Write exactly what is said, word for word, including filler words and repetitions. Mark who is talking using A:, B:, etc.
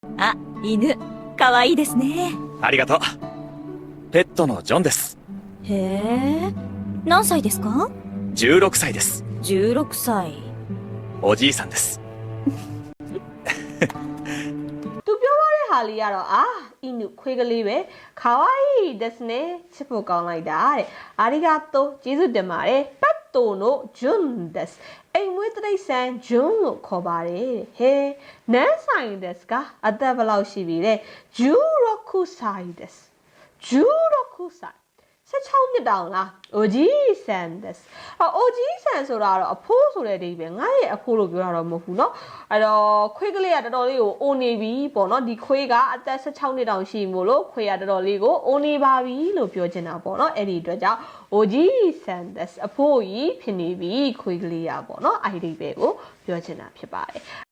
A: あ、犬、かわいいですね。
B: ありがとう。ペットのジョンです。
A: へえ。何歳ですか？
B: じゅうろくさいです。
A: じゅうろくさい。
B: おじいさんです。
C: သူပြောရတဲ့ဟာလေးကတော့အာအီနုခွေးကလေးပဲခါဝိုင်းですねချစ်ဖို့ကောင်းလိုက်တာတဲ့အာရီဂါတိုကျေးဇူးတင်ပါတယ်ပတ်တိုနိုဂျွန်းですအိမ်မွေးတိရစ္ဆာန်ဂျွန်းလို့ခေါ်ပါတယ်ဟဲနန်းဆိုင်ですကအသက်ဘယ်လောက်ရှိပြီလဲဂျူရိုခုဆိုင်ですဂျူရိုခုဆိုင်สิบหกနှစ်တောင်လားအိုဂျီဆန်ですအော်အိုဂျီဆန်ဆိုတာကတော့အဖိုးဆိုတဲ့အဓိပ္ပာယ်ငါရဲ့အဖိုးလို့ပြောတာတော့မဟုတ်ဘူးเนาะအဲ့တော့ခွေးကလေးကတော်တော်လေးကိုအိုနေပြီပေါ့เนาะဒီခွေးကအသက်สิบหกနှစ်တောင်ရှိမို့လို့ခွေးကတော်တော်လေးကိုအိုနေပါပြီလို့ပြောချင်တာပေါ့เนาะအဲ့ဒီအတွက်ကြောင့်အိုဂျီဆန်ですအဖိုးကြီးဖြစ်နေပြီခွေးကလေးရပေါ့เนาะအဲ့ဒီအဓိပ္ပာယ်ကိုပြောချင်တာဖြစ်ပါတယ်